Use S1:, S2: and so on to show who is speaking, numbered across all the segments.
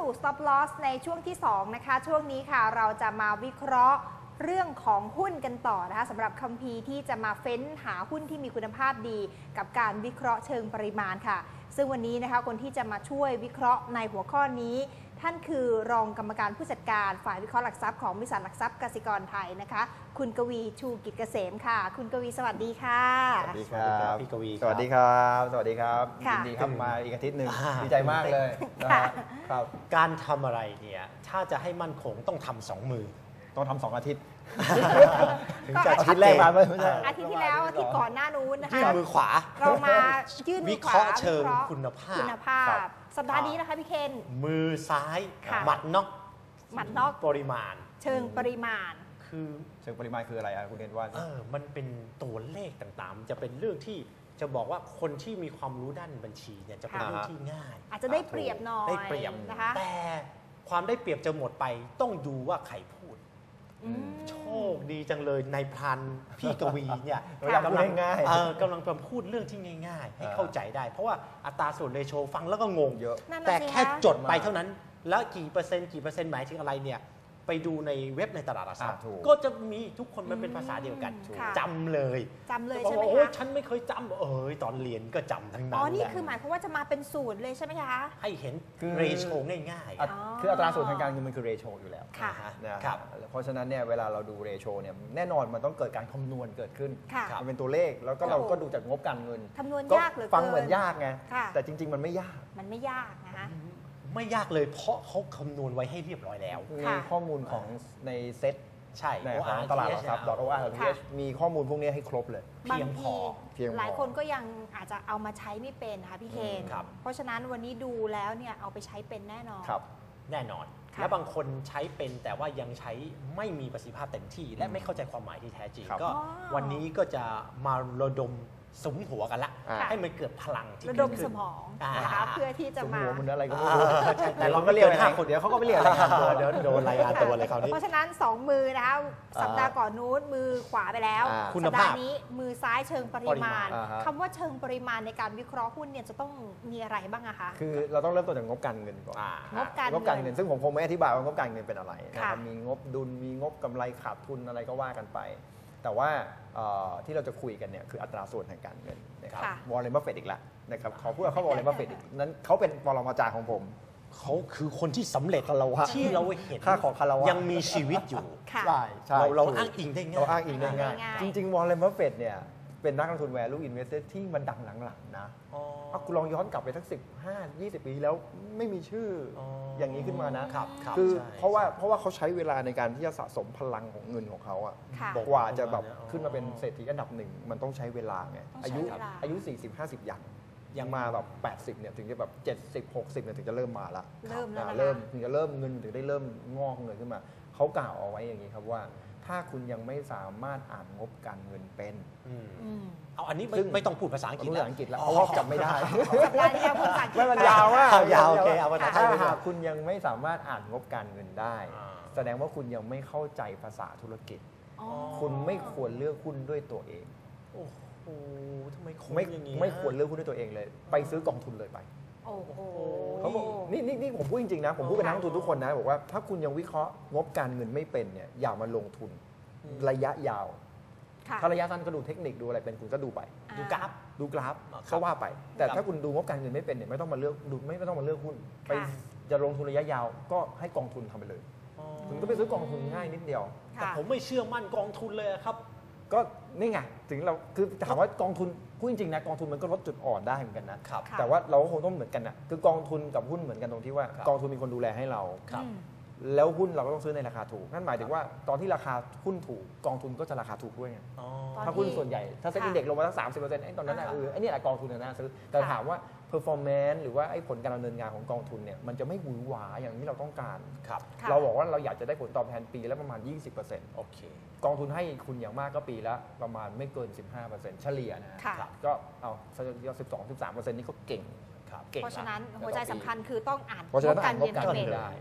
S1: Stop Loss ในช่วงที่2นะคะช่วงนี้ค่ะเราจะมาวิเคราะห์เรื่องของหุ้นกันต่อนะคะสำหรับคัมภีร์ที่จะมาเฟ้นหาหุ้นที่มีคุณภาพดีกับการวิเคราะห์เชิงปริมาณค่ะซึ่งวันนี้นะคะคนที่จะมาช่วยวิเคราะห์ในหัวข้อนี้ท่านคือรองกรรมการผู้จัดการฝ่ายวิเคราะห์หลักทรัพย์ของบริษัทหลักทรัพย์กสิกรไทยนะคะคุณกวีชูกิจเกษมค่ะคุณกวีสวัสดีค่ะ
S2: สวัสดีครับ
S3: พี่กวี
S2: สวัสดีครับสวัสดีครับยินดีครับมาอีกอาทิตย์หนึ่งดีใจมากเลยนะครับ
S3: การทำอะไรเนี่ยถ้าจะให้มั่นคงต้องทำ2 มือ
S2: ต้องทำ2 อาทิตย์
S3: ถึงจะ
S2: อาทิตย์แรกมาไม่ใช่
S1: อาทิตย์ที่แล้วอาทิตย์ก่อนหน้านู้นนะคะ
S3: ยื่นมือขวา
S1: เรามายื่นมื
S3: วิ
S1: อข
S3: เคราะห์
S1: วา
S3: เชิงคุณภาพ
S1: สัปดาห์นี้นะคะพี่เคน
S3: มือซ้ายหมัดน็อกปริมาณ
S1: เชิงปริมาณ
S3: คือ
S2: เชิงปริมาณคืออะไรคุณเคนว่า
S3: มันเป็นตัวเลขต่างๆจะเป็นเรื่องที่จะบอกว่าคนที่มีความรู้ด้านบัญชีเนี่ยจะเป็นเรื่องที่ง่าย
S1: อาจจะได้เปรียบหน่อย
S3: ได้เปรียบ
S1: นะคะ
S3: แต่ความได้เปรียบจะหมดไปต้องดูว่าใครพูดโชคดีจังเลยในพรานพี่กวีเนี่ย
S2: กำลังง่าย
S3: กำลังพูดเรื่องที่ง่ายๆให้เข้าใจได้เพราะว่าอัตราส่วนเรโชฟังแล้วก็งง
S2: เยอะ
S3: แต่แค่จดไปเท่านั้นแล้วกี่เปอร์เซ็นต์หมายถึงอะไรเนี่ยไปดูในเว็บในตลาดหลักทรัพย์ก็จะมีทุกคนมันเป็นภาษาเดียวกันจำเลย
S1: ใช่ไหมคะ
S3: ฉันไม่เคยจำตอนเรียนก็จำทั้งนั้น
S1: นี่คือหมายความว่าจะมาเป็นสูตรเลยใช่ไหมคะ
S3: ให้เห็นเรโชง่าย
S2: ๆคืออัตราส่วนทางการเงินมันคือเรโชอยู่แล้วนะครับเพราะฉะนั้นเนี่ยเวลาเราดูเรโชเนี่ยแน่นอนมันต้องเกิดการคำนวณเกิดขึ้นมันเป็นตัวเลขแล้วก็เราก็ดูจากงบการเงิน
S1: คำนวณยากเลย
S2: ฟังเหมือนยากไงแต่จริงๆมันไม่ยาก
S1: นะคะ
S3: ไม่ยากเลยเพราะเขาคำนวณไว้ให้เรียบร้อยแล้ว
S2: มีข้อมูลของในเซ็ต
S3: ใช่
S2: ของตลาดหลักทรัพย์ .or.th มีข้อมูลพวกนี้ให้ครบเลย
S3: เพียงพอ
S1: หลายคนก็ยังอาจจะเอามาใช้ไม่เป็นนะคะพี่เคนเพราะฉะนั้นวันนี้ดูแล้วเนี่ยเอาไปใช้เป็นแน่นอน
S3: แน่นอนและบางคนใช้เป็นแต่ว่ายังใช้ไม่มีประสิทธิภาพเต็มที่และไม่เข้าใจความหมายที่แท้จริงก็วันนี้ก็จะมาระดมสมหัวกันละให้มันเกิดพลังที่
S1: ระดมสมองนะคะเพื่อที่จะมา
S2: หัวมันอะไรก็ไม่รู้แต่เราก็เรียก5 คนเดี๋ยวเขาก็ไม่เรียกรายงานตัว
S3: เดี๋ยวโดนรายงานตัวเลยคราวนี้
S1: เพราะฉะนั้น2 มือนะคะสัปดาห์ก่อนนู้นมือขวาไปแล้วสัปดาห์นี้มือซ้ายเชิงปริมาณคำว่าเชิงปริมาณในการวิเคราะห์หุ้นเนี่ยจะต้องมีอะไรบ้างอะคะ
S2: คือเราต้องเริ่มต้นจากงบการเงินก่อน
S1: งบการเงิน
S2: ซึ่งผมคงไม่อธิบายว่างบการเงินเป็นอะไรนะครับมีงบดุลมีงบกำไรขาดทุนอะไรก็ว่ากันไปแต่ว่าที่เราจะคุยกันเนี่ยคืออัตราส่วนทางการเงินนะครับวอร์เรน บัฟเฟตต์อีกแล้วนะครับเขาพูดเขาวอร์เรน บัฟเฟตต์นั้นเขาเป็นปรมาจารย์ของผม
S3: เขาคือคนที่สำเร็จที่เราเห็นยังมีชีวิตอยู่
S2: ใช่
S3: เราอ้างอิงได้ง่าย
S2: จริงๆวอร์เรน บัฟเฟตต์เนี่ยเป็นนักลงทุน value investor ที่มันดังหลังๆนะคุณลองย้อนกลับไปสัก15-20 ปีแล้วไม่มีชื่ออย่างนี้ขึ้นมานะคือเพราะว่าเขาใช้เวลาในการที่จะสะสมพลังของเงินของเขาอะกว่าจะแบบขึ้นมาเป็นเศรษฐีอันดับ1มันต้องใช้เวลาไงอายุ 40-50 ยังมาแบบ80เนี่ยถึงจะแบบ70-60เนี่ยถึงจะเริ่มมาละถึงจะเริ่มเงินถึงได้เริ่มงอกเงินขึ้นมาเขากล่าวเอาไว้อย่างนี้ครับว่าถ้าคุณยังไม่สามารถอ่านงบการเงินเป็น
S3: เอาอันนี้ไม่ต้องพูดภาษาอังกฤษ
S2: แล้วเพราะว่าจำไม่ได้
S1: ไม่
S2: มันยาวมาก
S3: ยาวโอเคเอาภาษาไทย
S2: ถ้าหากคุณยังไม่สามารถอ่านงบการเงินได้แสดงว่าคุณยังไม่เข้าใจภาษาธุรกิจคุณไม่ควรเลือกหุ้นด้วยตัวเอง
S3: โอ้โหทำไม
S2: ไม่ควรเลือกหุ้นด้วยตัวเองเลยไปซื้อกองทุนเลยไปเขาบอกนี่ผมพูดจริงๆนะผมพูดเป็นนักลงทุนทุกคนนะบอกว่าถ้าคุณยังวิเคราะห์งบการเงินไม่เป็นเนี่ยอย่ามาลงทุนระยะยาวถ้าระยะสั้นก็ดูเทคนิคดูอะไรเป็นคุณก็ดูไป
S3: ดูกราฟ
S2: ก็ว่าไปแต่ถ้าคุณดูงบการเงินไม่เป็นเนี่ยไม่ต้องมาเลือกดูไม่ต้องมาเลือกหุ้นไปจะลงทุนระยะยาวก็ให้กองทุนทำไปเลยคุณก็ไปซื้อกองทุนง่ายนิดเดียว
S3: แต่ผมไม่เชื่อมั่นกองทุนเลยครับ
S2: ก็นี่ไงถึงเราคือถามว่ากองทุนพูดจริงๆนะกองทุนมันก็ลดจุดอ่อนได้เหมือนกันนะแต่ว่าเราก็คงต้องเหมือนกันนะคือกองทุนกับหุ้นเหมือนกันตรงที่ว่ากองทุนมีคนดูแลให้เราแล้วหุ้นเราก็ต้องซื้อในราคาถูกนั่นหมายถึงว่าตอนที่ราคาหุ้นถูกกองทุนก็จะราคาถูกด้วยไงถ้าหุ้นส่วนใหญ่ถ้าเซ็นดีเด็กลงมาสัก 30% ไอ้ตอนนั้นไอ้นี่แหละกองทุนน่าซื้อแต่ถามว่า performance หรือว่าไอ้ผลการดำเนินงานของกองทุนเนี่ยมันจะไม่หวือหวาอย่างที่เราต้องการเราบอกว่าเราอยากจะได้ผลตอบแทนปีละประมาณ 20%
S3: โอเค
S2: กองทุนให้คุณอย่างมากก็ปีละประมาณไม่เกิน 15% เฉลี่ยนะก็เอา12-13% นี่ก็เก่ง
S1: เพราะฉะนั้นหัวใจสำคัญคือต้องอ่าน
S2: งบการเงินเป็น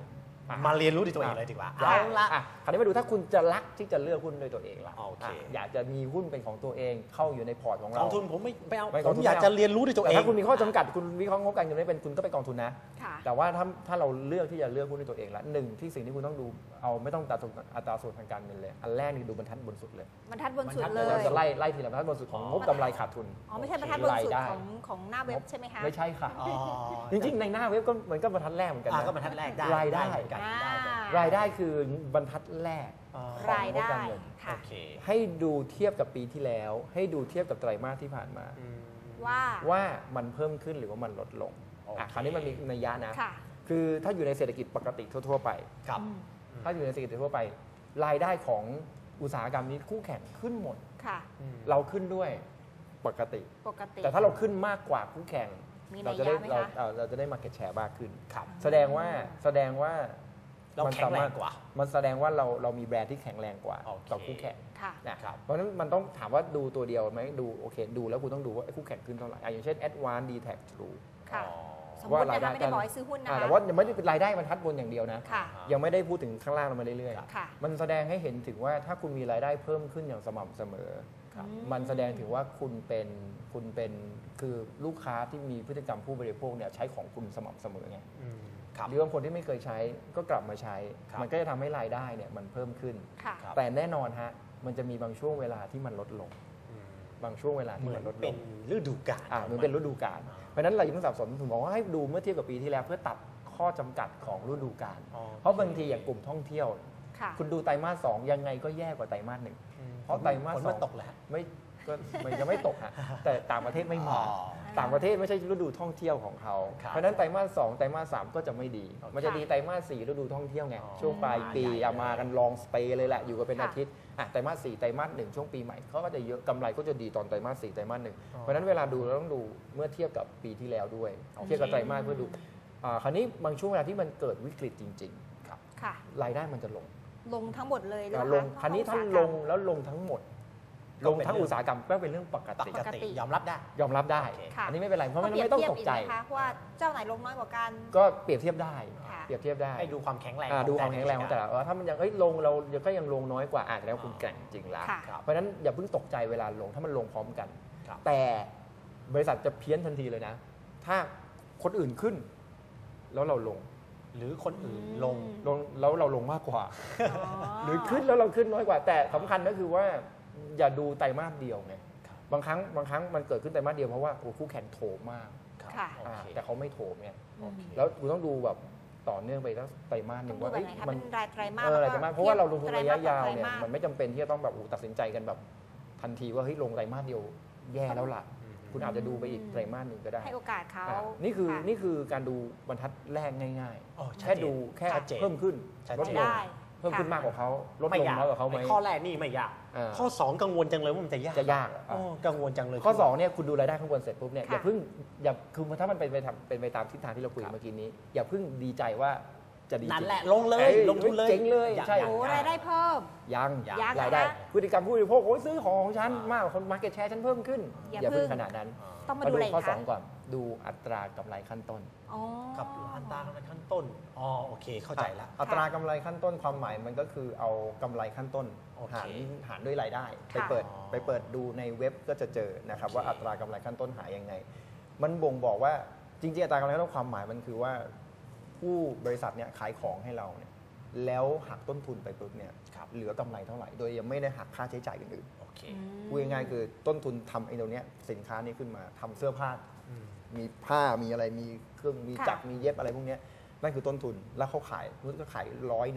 S3: มาเรียนรู้ด้วยตัวเองเลยดีกว่า
S2: เอาละคราวนี้มาดูถ้าคุณจะรักที่จะเลือกหุ้นด้วยตัวเองล่ะ
S3: โอเค
S2: อยากจะมีหุ้นเป็นของตัวเองเข้าอยู่ในพอร์ตของ
S3: ก
S2: เรา
S3: องทุนผมไม่เอา
S2: ไม่ก
S3: ผ
S2: อง
S3: ม
S2: ทุน
S3: อยาก
S2: ไม่เอา
S3: จะเรียนรู้ด้วยตัวเอ
S2: แต่
S3: ง
S2: ถ้าคุณมีข้อจำกัดคุณวิเคราะห์งบการเงินไม่เป็นคุณก็ไปกองทุนนะ
S1: ค่ะ
S2: แต่ว่าถ้าเราเลือกที่จะเลือกหุ้นด้วยตัวเองละหนึ่งที่สิ่งที่คุณต้องดูเอาไม่ต้องอัตราส่วนทางการเงินเลยอันแรกนี่ดูบรรทัดบนสุดเลย
S1: บรรทัดบนสุดเล
S2: เรา
S1: ย
S2: จะไล่ทีละบรรทัดบนสุดของงบกำไรขาดทุน
S1: อ๋อไม่ใช่บรรทัดบนสุด
S2: รายได้
S1: ของหน้าเว็บใช่ไหมคะ
S2: ไม่ใช่ค่ะ
S3: อ๋อ
S2: จริงๆในหน้าเว็บก็เหมือนกับบรรทัดแรกเหมือนกัน
S3: ก็
S2: นะ
S3: บรรทัดแรกได้
S2: รายได้
S3: เหมือนกันได้เหมือนกัน
S2: รายได้คือบรรทัดแรก
S3: อ๋อ
S1: รายได้
S2: ของงบการเงิน
S1: ค่ะ
S3: โอเค
S2: ให้ดูเทียบกับปีที่แล้ว ให้ดูเทียบกับไตรมาสที่ผ่านมา
S3: อืม
S1: ว่า
S2: มันเพิ่มขึ้นหรือว่ามันลดลง
S3: โอเค
S2: คราวนี้มันมีนัยยะนะ
S1: ค่ะ
S2: คือถ้าอยู่ในเศรษฐกิจปกติทั่วๆไป
S3: ครับ
S1: อืม
S2: ถ้าอยู่ในเศรษฐกิจทั่วไป รายได้ของอุตสาหกรรมนี้คู่แข่งขึ้นหมด
S1: ค่ะ
S2: เราขึ้นด้วยปกติ
S1: ปกติ
S2: แต่ถ้าเราขึ้นมากกว่าคู่แข่ง
S1: มีนั
S2: เรา
S1: ย
S2: จะได้
S1: ยะไหมคะ
S2: เราจะได้ market share มากขึ้น
S3: ครับ
S2: แสดงว่า
S3: เราแข็งแรงกว่า
S2: มันแสดงว่าเรามีแบรนด์ที่แข็งแรงกว่า
S3: โอเค
S2: ต่อคู่แข่ง
S1: ค่ะ
S2: นะครับเพราะฉะนั้นมันต้องถามว่าดูตัวเดียวไหมดูโอเคดูแล้วคุณต้องดูว่าไอ้คู่แข่งขึ้นเท่าไหร่อย่างเช่น Advance D-Tech True
S1: ค่ะ
S3: อ๋อ
S1: สมมตินะคะไม่ได้บอกให้ซื้อหุ้นนะคะ
S2: แต่ว่ายังไม่ได้เป็นรายได้บรรทัดบนอย่างเดียวนะ
S1: ค่ะ
S2: ยังไม่ได้พูดถึงข้างล่างลงมาเรื่อย
S1: ค่ะ
S2: ๆมันแสดงให้เห็นถึงว่าถ้าคุณมีรายได้เพิ่มขึ้นอย่างสม่ำเสมอ
S1: ครับ
S2: มันแสดงถึงว่าคุณเป็นคือลูกค้าที่มีพฤติกรรมผู้บริโภคเนี่ยใช้ของคุณสม่ำเสมอไง
S3: อืมครับ
S2: หรือบางคนที่ไม่เคยใช้ก็กลับมาใช้
S3: ครับ
S2: มันก็จะทำให้รายได้เนี่ยมันเพิ่มขึ้น
S1: ค่ะ
S3: ครับ
S2: แต่แน่นอนฮะมันจะมีบางช่วงเวลาที่มันลดลง
S3: อืม
S2: บางช่วงเวลา
S3: เห
S2: ที่
S3: มือ
S2: มัน นลดล
S3: เป็น
S2: ง
S3: ฤดูกาล
S2: เหมือนเป็นฤดูกาลเพราะฉะนั้นเราอย่าเพิ่งสับสนผมบอกว่าให้ดูเมื่อเทียบกับปีที่แล้วเพื่อตัดข้อจำกัดของฤดูกาล
S3: อ๋อ
S2: เพราะบางทีอย่างกลุ่มท่องเที่ยว
S1: ค่ะ
S2: คุณดูไตรมาส 2ยังไงก็แย่กว่าไตรมาส 1
S3: อืม
S2: เพราะไตรมาส
S3: ฝน
S2: ส
S3: มั
S2: อน ง
S3: ตกแล้ว
S2: ไม่ก็มันยังไม่ตกฮะแต่ต่างประเทศไม่มา
S3: อ๋อ
S2: ต่างประเทศไม่ใช่ฤดูท่องเที่ยวของเขา
S3: ครับ
S2: เพราะฉะนั้นไตรมาส 2ไตรมาส 3ก็จะไม่ดี
S3: โอเค
S2: มันจะดีไตรมาส 4ฤดูท่องเที่ยวไง
S3: อ๋อ
S2: ช่วงปลายปี
S3: ใหญ่เลย
S2: มากันลองสเปย์เลยแหละอยู่กันเป็น
S1: ค่ะ
S2: อาทิตย์ไตรมาส 4ไตรมาส 1ช่วงปีใหม่เขาก็จะเยอะกำไรก็จะดีตอนไตรมาส 4ไตรมาส 1เพราะฉะนั้นเวลาดูเราต้องดูเมื่อเทียบกับปีที่แล้วด้วยเทียบกับไตรมาสเพื่อดูคราวนี้บางช่วงเวลาที่มันเกิดวิกฤตจริงๆครับ
S1: ค่ะ
S2: รายได้มันจะลง
S1: ลงทั้งหมดเลยหรือเป
S2: ล
S1: ล่าง
S2: คราวนี้ถ้าลงแล้วลงทั้งหมด ลงทั้งอุตสาหกรรมก็เป็นเรื่องปก
S3: ป
S2: ติ
S3: กติยอมรับได้
S2: ยอมรับได้
S3: โอเค
S1: ค่ะ
S2: อันนี้ไม่เป็นไรเพราะ
S1: ต้
S2: มั
S1: อน งเปรียบ
S2: ไม่ต้อง
S1: เทียบ
S2: ตก
S1: อีก
S2: ใจ
S1: ไหมคะว่าเจ้าไหนลงน้อยกว่ากัน
S2: ก็เปรียบเทียบได้
S1: ค่ะ
S2: เปรียบเทียบได้
S3: ให้ดูความแข็งแรง
S2: ดูความ
S3: แต่ละ
S2: แข็งแรงของแต่ละถ้ามันยังลงเราก็ยังลงน้อยกว่าแล้วคุณแกร่งจริงแล้ว
S1: ค่ะ
S3: ครับ
S2: เพราะฉะนั้นอย่าเพิ่งตกใจเวลาลงถ้ามันลงพร้อมกัน
S3: ครับ
S2: แต่บริษัทจะเพี้ยนทันทีเลยนะ ถ้าคนอื่นขึ้น แล้วเราลง
S3: หรือคนอื่นลง
S2: แล้วเราลงมากกว่า
S1: อ๋อ
S2: หรือขึ้นแล้วเราขึ้นน้อยกว่า แต่สำคัญก็คือว่าอย่าดูไตรมาสเดียวไง
S3: ครับ
S2: บางครั้งมันเกิดขึ้นไตรมาสเดียวเพราะว่าคู่แข่งโถมมาก
S3: ครับ
S1: ค่ะ
S3: โอเค
S2: แต่เขาไม่โถมไง
S3: โอเค
S2: แล้วคุณต้องดูแบบต่อเนื่องไปตั้งไตรมาสห
S1: ต้อ
S2: นึ่
S1: ง
S2: ง
S1: ดู
S2: ว่า
S1: แบบไหนคะ
S2: มั
S1: เป็นรายไตรมาส
S2: อะไรจะมากเพราะว่าเราลงทุนระยะยาว
S1: ไตร
S2: เนี่ย
S1: มาส
S2: มันไม่จำเป็นที่จะต้องแบบตัดสินใจกันแบบทันทีว่าเฮ้ยลงไตรมาสเดียวแย่แล้วล่ะ คุณอาจจะดูไปอีกไตรมาสหนึ่งก็ได้
S1: ให้โอกาสเขา
S2: นี่คือ
S1: ค่ะ
S2: นี่คือการดูบรรทัดแรกง่าย
S3: อ๋อ
S2: ๆ
S3: ชัด
S2: แค่
S3: เจน
S2: ดูแค่
S3: ชัดเจน
S2: เพิ่มขึ้น
S3: ชัด
S2: ลด
S3: เจ
S2: ล
S3: น
S2: ง
S1: ได้
S2: เพิ่มขึ้นมากกว่าเขาลด
S3: ไม่
S2: ลง
S3: ยาก
S2: น้อยกว่าเขาไหม
S3: ไอ้ข้อแรกนี่ไม่ยาก
S2: อ่า
S3: ข้อ 2 กังวลจังเลยว่ามันจะยาก
S2: จะยาก
S3: อ๋อกังวลจังเลย
S2: ข้อ2เนี่ยคุณดูรายได้ข้างบนเสร็จปุ๊บเนี่ย
S1: ค่ะ
S2: อย่าเพิ่งคือถ้ามันเป็นไปตามทิศทางที่เราคุยเมื่อกี้นี้ อย่าเพิ่งดีใจว่าจะดี
S3: นั่น
S2: จริง
S3: แหละลงเลย
S2: เอ้ย
S3: ลงทุนเลย
S2: เจ๋งเลย
S3: อา
S2: ใช่
S3: อา
S1: โอ้รายได้เพิ่ม
S2: ยัง
S3: ยัง
S2: รายได้
S1: นะคะ
S2: พฤติกรรมผู้บริโภคโอ้ยซื้อของฉันมากกว่าคนมาร์เก็ตแชร์ฉันเพิ่มขึ้น
S1: อย่า
S2: อย่าเพิ่ง
S1: เพิ่ง
S2: ขนาดนั้น
S1: ต้องมาดูอะไร
S2: ข้อ
S1: คะ
S2: 2ก่อนดูอัตรากำไรขั้นต้น
S1: อ๋อ
S3: กับอัตรากำไรขั้นต้นอ๋อโอเคเข้าใจละ
S2: อัตรากำไรขั้นต้นความหมายมันก็คือเอากำไรขั้นต้น
S3: โอเค
S2: หารด้วยรายได้ ไป
S1: ค่ะ
S2: เปิดดูในเว็บก็จะเจอนะครับ
S3: โอเค
S2: ว่าอัตรากำไรขั้นต้นหายังไง มันบ่งบอกว่าจริงๆอัตรากำไรขั้นต้นความหมายมันคือว่าผู้บริษัทเนี่ยขายของให้เราเนี่ยแล้วหักต้นทุนไปปุ๊บเนี่ยเหลือกำไรเท่าไหร่ โดยยังไม่ได้หักค่าใช้จ่ายอื่น
S3: โอเค
S2: ๆพูดง่ายๆคือต้นทุนทำไอ้ตรงเนี้ยสินค้านี้ขึ้นมาทำเสื้อผ้า
S3: อืม
S2: มีผ้ามีอะไรมีเครื่องมี
S1: ค่ะ
S2: จักรมีเย็บอะไรพวกเนี้ยนั่นคือต้นทุนแล้วเขาขายมุดก็ขาย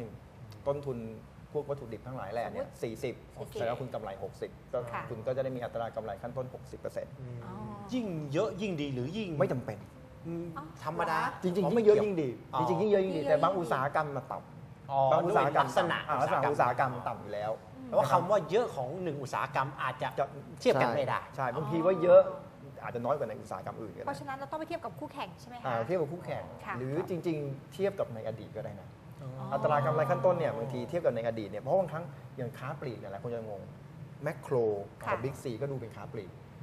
S2: 100ต้นทุนพวกวัตถุดิบทั้งหลายแหล่เนี่ย40แต่แล้วคุณกำไร 60ก็
S1: ค่ะ
S2: คุณก็จะได้มีอัตรากำไรขั้นต้น 60%
S1: อ๋อ
S3: ยิ่งเยอะยิ่งดีหรือยิ่ง
S2: ไม่จำเป็น
S3: อืม
S1: อ๋อ
S3: ธรรมดา
S2: จริง
S3: อ๋
S2: ๆยิ่งเยอะ
S3: กี่ว
S2: ยิ่งดี
S3: อ๋อ
S2: จริงๆยิ่งเยอะยิ่งดี
S1: ยิ่งเยอะ
S2: แต่บาง
S1: ยิ่งดี
S2: อุตสาหกรรมมาต่
S3: อ๋อ
S2: ำบางอุตสาหกรรม
S3: ด้วยลักษณะ
S2: ลักษณะอุตสาหกรรมต่ำอยู่แล้ว
S3: แต่ว่าคำว่าเยอะของหนึ่งอุตสาหกรรมอาจจะเทียบกันไม่ได้
S2: ใช่บางทีว่าเยอะอาจจะน้อยกว่าในอุตสาหกรรมอื่นก็
S1: เพ
S2: ได้
S1: ราะฉะนั้นเราต้องไปเทียบกับคู่แข่งใช่ไหมคะ
S2: เทียบกับคู่แข่ง
S1: ค่ะ
S2: หรือจริง ๆ เทียบกับในอดีตก็ได้นะ
S1: อ๋ออั
S2: อัตรากำไรขั้นต้นเนี่ยบางทีเทียบกับในอดีตเนี่ยเพราะบางครั้งอย่างค้าปลีกเนี่ยหลายคนจะงงแมคโคร
S1: ค่ะ
S2: กับบิ๊กซีก็ดูเป็นค้าปลีก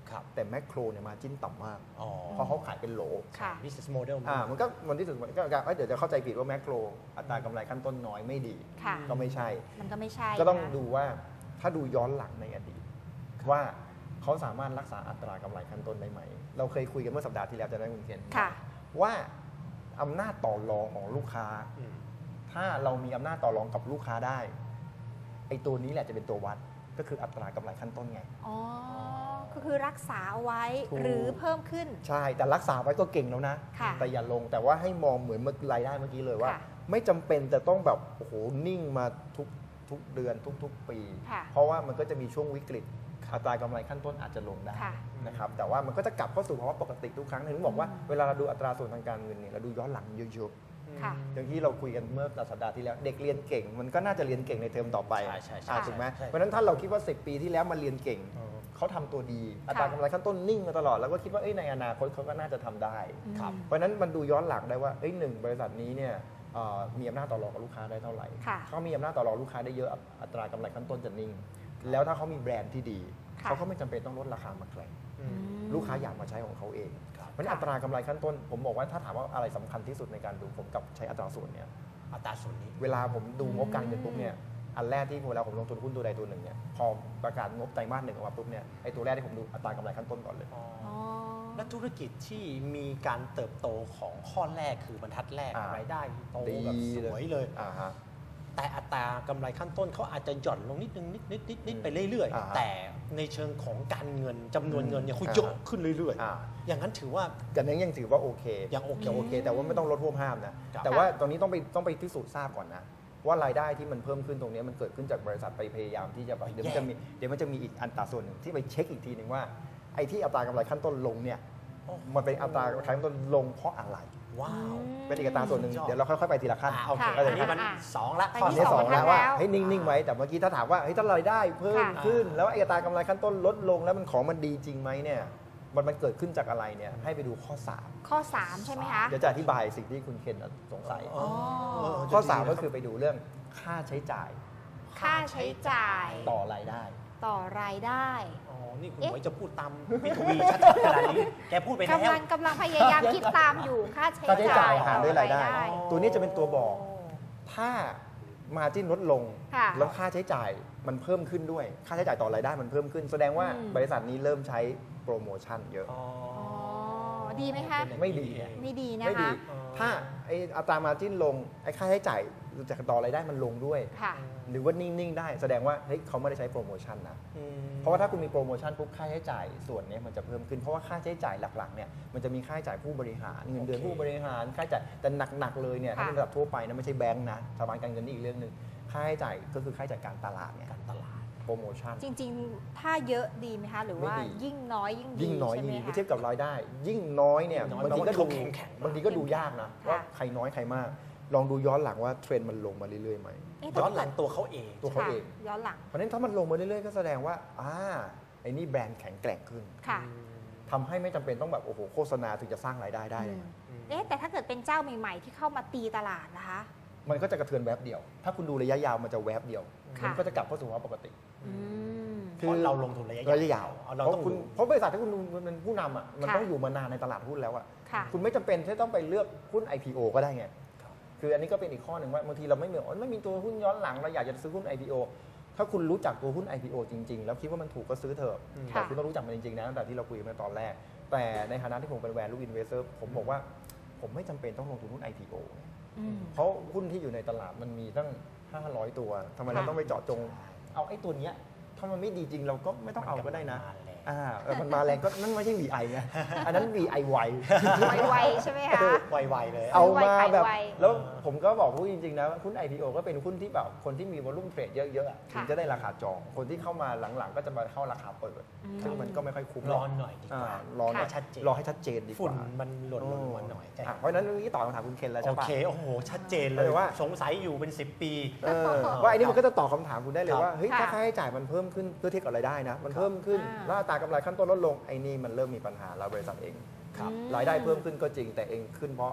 S3: ครับ
S2: แต่แมคโครเนี่ยมาจิ้นต่ำมาก
S3: อ๋อ
S2: เพราะเขาขายเป็นโหล
S1: ค่ะ
S3: business model
S2: มันที่สุดมันก็เดี๋ยวจะเข้าใจผิดว่าแมคโครอัตรากำไรขั้นต้นน้อยไม่ดี
S1: ค่ะ
S2: ก็ไม่ใช่
S1: มันก็ไม่ใช่
S2: ก็ต้อง
S1: นะ
S2: ดูว่าถ้าดูย้อนหลังในอดีตว่าเขาสามารถรักษาอัตรากำไรขั้นต้นได้ไหม เราเคยคุยกันเมื่อสัปดาห์ที่แล้วจะได้คุณเคน
S1: ค่ะ
S2: ว่าอำนาจต่อรองของลูกค้า
S3: อืม
S2: ถ้าเรามีอำนาจต่อรองกับลูกค้าได้ไอ้ตัวนี้แหละจะเป็นตัววัดก็คืออัตรากำไรขั้นต้นไง
S1: อ๋อ ก็คือรักษาเอาไว้
S2: ถูก
S1: หรือเพิ่มขึ้น
S2: ใช่แต่รักษาไว้ก็เก่งแล้วนะ
S1: ค่ะ
S2: แต่อย่าลงแต่ว่าให้มองเหมือนรายได้เมื่อกี้เลยว่า
S1: ค่ะ
S2: ไม่จำเป็นจะต้องแบบโอ้โหนิ่งมาทุกเดือนทุกปี
S1: ค่ะ
S2: เพราะว่ามันก็จะมีช่วงวิกฤตอัตรากำไรขั้นต้นอาจจะลงได้
S1: ค่ะ
S2: นะครับแต่ว่ามันก็จะกลับเข้าสู่ภาวะปกติทุกครั้งถึงบอกว่าเวลาเราดูอัตราส่วนทางการเงินเนี่ยเราดูย้อนหลังเยอะ
S1: ค่ะ
S2: ๆอย่างที่เราคุยกันเมื่อสัปดาห์ที่แล้วเด็กเรียนเก่ง มันก็น่าจะเรียนเก่งในเทอมต่อไป
S3: ใช่
S2: ถูกไหม
S3: ใช่
S2: เพราะฉะนั้นถ้าเราคิดว่า10 ปีที่แล้วมาเรียนเก่ง
S3: อืม
S2: เขาทำตัวดี อัตรากำไรขั้นต้นนิ่งมาตลอดแล้วก็คิดว่าในอนาคตเขาก็น่าจะทำได้
S3: ครับ
S2: เพราะฉะนั้นมันดูย้อนหลังได้ว่าหนึ่งบริษัทนี้เนี่ยมีอำนาจต่อรองกับลูกค้าได้เท่าไหร่
S1: ค่ะ
S2: เขามีอำนาจต่อรองลูกค้าได้เยอะอัตรากำไรขั้นต้นจะนิ่ง แล้วถ้าเขามีแบรนด์ที่ดี
S1: ค่ะ
S2: เขาก็ไม่จำเป็นต้องลดราคามาแข่ง
S3: อืม
S2: ลูกค้าอยากมาใช้ของเขาเอง
S3: ครับ
S2: เพราะฉะนั้นอัตรากำไรขั้นต้น ผมบอกว่าถ้าถามว่าอะไรสำคัญที่สุดในการดูผมกับใช้อัตราส่วนเนี่ย
S3: อัตราส่วนนี้
S2: เวลาผมดูงบการเงินปุ๊บเนี่ยอันแรกที่เวลาผมลงทุนหุ้นตัวใดตัวหนึ่งเนี่ยพอประกาศงบไตรมาส 1ออกมาปุ๊บเนี่ยไอ้ตัวแรกที่ผมดูอัตรากำไรขั้นต้นก่อนเลย
S3: อ๋อ
S1: อ๋อ
S3: และธุรกิจที่มีการเติบโตของข้อแรกคือบรรทัดแรก
S2: อ่าร
S3: ายได้โต
S2: ดี
S3: แบบสวยเลย
S2: ฮะ
S3: แต่อัตรากำไรขั้นต้นเขาอาจจะหย่อนลงนิดนึงนิดไปเรื่อย
S2: อ่าฮะ
S3: ๆ แต่ในเชิงของการเงินจำนวนเงินเนี่ยเขา
S2: อ่าฮะ
S3: เยอะขึ้นเรื่อย
S2: อ่า
S3: ๆ อย่างนั้นถือว่า
S2: กันนั้นยังถือว่าโอเค
S3: ยังโอเค
S2: โอเค แต่ว่าไม่ต้องลดท่วมห้ามนะครับ แต่ว่าตอนนี้ต้องไปพิสูจน์ทราบก่อนนะว่ารายได้ที่มันเพิ่มขึ้นตรงนี้มันเกิดขึ้นจากบริษัทไปพยายามที่จะแบบเดี๋ยวมันจะมีอีกอัตราส่วนหนึ่งที่ไปเช็คอีกทีหนึ่งว่าไอ้ที่อัตรากำไรขั้นต้นลงเนี่ยมันเป็นอัตรากำไรขั้นต้นลงเพราะอะไร
S3: ว้าว
S2: เป็นอีกอัตราส่วนหนึ่ง
S3: ยอด
S2: เดี๋ยวเราค่อยๆไปทีละขั้น
S3: โอเค
S1: ค่ะ
S3: อันนี้มัน
S1: อ่า
S3: 2 ละ
S1: ไป
S3: ข้อ
S1: ที่
S2: ที่
S1: ส
S2: ส
S1: อ
S2: อง งแล้วว่า
S1: แล้ว
S2: ให้นิ่งๆไว้แต่เมื่อกี้ถ้าถามว่าถ้ารายได้เพิ่ม
S1: ค่ะ
S2: ขึ้น แล้วไอ้อัตรากำไรขั้นต้นลดลงแล้วมันของมันดีจริงไหมเนี่ยมันเกิดขึ้นจากอะไรเนี่ยให้ไปดูข้อ
S1: ข้อ 3 ใช่ไหมคะ
S2: 3เดี๋ยวจะอธิบายสิ่งที่คุณเคนสงสัย
S3: อ๋อ
S2: ข้อ 3 ก็คือไปดูเรื่องค่าใช้จ่าย
S1: ค่าใช้จ่าย
S2: ต่อรายได้
S1: ต่อรายได้
S3: อ๋อ นี่คุณ
S1: เอ๊ะ
S3: หมวยจะพูดตามพี่ทวีชัดๆขนาดนี้ แกพูดไปแล้ว
S1: กำลังพยายามคิดตามอยู่ ค่าใช้
S2: ค่าใช้จ่ายหารด้วยรายได้
S1: ต่อ
S2: ตัวนี้จะเป็นตัวบอก ถ้ามาจิ้นลดลง
S1: ค่ะ
S2: แล้วค่าใช้จ่ายมันเพิ่มขึ้นด้วย ค่าใช้จ่ายต่อรายได้มันเพิ่มขึ้น แสดงว่า
S1: อืม
S2: บริษัทนี้เริ่มใช้โปรโมชั่นเยอะ
S3: อ๋อ
S1: อ๋อ ดีไหมคะ
S2: ไม่ดี
S1: ไม่ดีนะ
S2: ไม่ดี
S1: คะ
S2: ถ้าไอ้อัตรามาจิ้นลงไอ้ค่าใช้จ่ายจากต่อรายได้มันลงด้วย
S1: ค่ะ
S2: หรือว่านิ่ง ๆ ได้แสดงว่าเฮ้ยเขาไม่ได้ใช้โปรโมชั่นนะ
S3: อืม
S2: เพราะว่าถ้าคุณมีโปรโมชั่นปุ๊บค่าใช้จ่ายส่วนนี้มันจะเพิ่มขึ้นเพราะว่าค่าใช้จ่ายหลักๆเนี่ยมันจะมีค่าใช้จ่ายผู้บริหารเงินเดือน
S3: โอเค
S2: ผู้บริหารค่าใช้จ่ายแต่หนักๆเลยเนี่ย
S1: ค่ะ
S2: ถ้าเป็นระดับทั่วไปนะไม่ใช่แบงค์นะสถาบันการเงินนี่อีกเรื่องหนึ่งค่าใช้จ่ายก็คือค่าใช้จ่ายการตลาดเนี่ย
S3: การตลาด
S2: โปรโมชั่น
S1: จริงๆ ถ้าเยอะดีไหมคะ หรือว่า
S2: ไม่ดี
S1: ยิ่งน้อยยิ่งดี
S2: ยิ่งน้อย
S1: ใช่ไหม
S2: ดี
S1: คะ
S2: เมื่อเทียบกับรายได้ ยิ่งน้อยเนี่ย
S3: ยิ่งน้อย
S2: บางทีก็
S3: แปลว่า
S2: ดู
S3: เขาแข็งๆมาก
S2: บางทีก็ดูยากนะ
S1: ค่ะ
S2: ว่าใครน้อยใครมาก ลองดูย้อนหลังว่าเทรนด์มันลงมาเรื่อยๆไหม
S1: เอ๊ะ
S3: ย้อนหลังตัวเขาเอง
S2: ตัวเขา
S1: ค่ะ
S2: เอง
S1: ย้อนหลัง
S2: เพราะฉะนั้นถ้ามันลงมาเรื่อยๆก็แสดงว่าไอ้นี่แบรนด์แข็งแกร่งขึ้น
S1: ค่ะ
S2: ทำให้ไม่จำเป็นต้องแบบโอ้โหโฆษณาถึงจะสร้างรายได้ได้เลย
S1: เอ๊ะแต่ถ้าเกิดเป็นเจ้าใหม่ๆ ที่เข้ามาตีตลาดนะคะ
S2: มันก็จะกระเทือนแวบเดียว ถ้าคุณดูระยะยาวมันจะแวบเดียว
S1: ค่ะ
S2: มันก็จะกลับเข้าสู่ภาวะปกติ
S1: อืม
S3: เพราะเราลงทุนระยะ
S2: ระยะยาว
S3: เอาเรา
S2: เพราะ
S3: ต้อง
S2: คุณ
S3: ดู
S2: เพราะบริษัทที่คุณเป็นผู้นำอ่ะมัน
S1: ค่ะ
S2: ต้องอยู่มานานในตลาดหุ้นแล้วอ่ะ
S1: ค่ะ
S2: คุณไม่จำเป็นที่ต้องไปเลือกหุ้น IPO ก็ได้ไง คืออันนี้ก็เป็นอีกข้อหนึ่งว่าบางทีเราไม่มีตัวหุ้นย้อนหลังเราอยากจะซื้อหุ้น IPO ถ้าคุณรู้จักตัวหุ้น IPO จริง ๆ แล้วคิดว่ามันถูกก็ซื้อเถอะ
S3: อืม
S2: แต่คุณต้องรู้จักมันจริงๆนะตั้งแต่ที่เราคุยกันตอนแรก แต่ในฐานะที่ผมเป็น value investor ผมบอกว่าผมไม่จำเป็นต้องลงทุนหุ้น IPO
S1: อืม
S2: เพราะหุ้นที่อยู่ในตลาดมันมีตั้ง 500 ตัวทำไมเรา
S1: ค่ะ
S2: ต้องไปเจาะจง เอาไอ้ตัวเนี้ยถ้ามันไม่ดีจริงเราก็ไม่ต้องเอาก็ได้นะ มันมาแรงก็นั่นไม่ใช่ VI ไงอันนั้น VI ไว
S1: ไวๆใช่ไหมคะ
S3: ไวๆเลย
S2: เอามาแบบ
S1: ไว
S2: แล้วผมก็บอกพูดจริงๆนะหุ้น IPO ก็เป็นหุ้นที่แบบคนที่มีวอลุ่มเทรดเยอะๆอะ
S1: ค่ะ
S2: ถึงจะได้ราคาจอง คนที่เข้ามาหลังๆ ก็จะมาเข้าราคาเปิด
S1: อืม
S2: ซึ่งมันก็ไม่ค่อยคุ้ม
S3: รอหน่อยดีกว่า
S2: รอหน่อย
S3: ค่ะชัดเจน
S2: รอให้ชัดเจนดีก
S3: ฝุ่น
S2: ว่า
S3: มันหล่นลงมาหน่อย
S2: เพราะฉะนั้นเรื่องนี้ตอบคำถามคุณเคนแล้ว
S3: โอ
S2: ใช่ปะ
S3: เค โอ้โห ชัดเจนเลย
S2: แต่ว่า
S3: สงสัยอยู่เป็น 10 ปี
S2: ว่าอันนี้มันก็จะตอบคำถามคุณได้เลย
S3: ครับ
S2: ว่าเฮ้ย
S1: ค่ะ
S2: ถ้าค่าใช้จ่ายมันเพิ่มขึ้นเพื่อเทียบกับรายได้นะมันเพิ่มขึ้น
S1: อ่า
S2: แล้วอัตรากำไรขั้นต้นลดลงไอ้นี่มันเริ่มมีปัญหาแล้วบริษัทเอง
S3: ครับ
S1: อืม
S2: รายได้เพิ่มขึ้นก็จริงแต่เองขึ้นเพราะ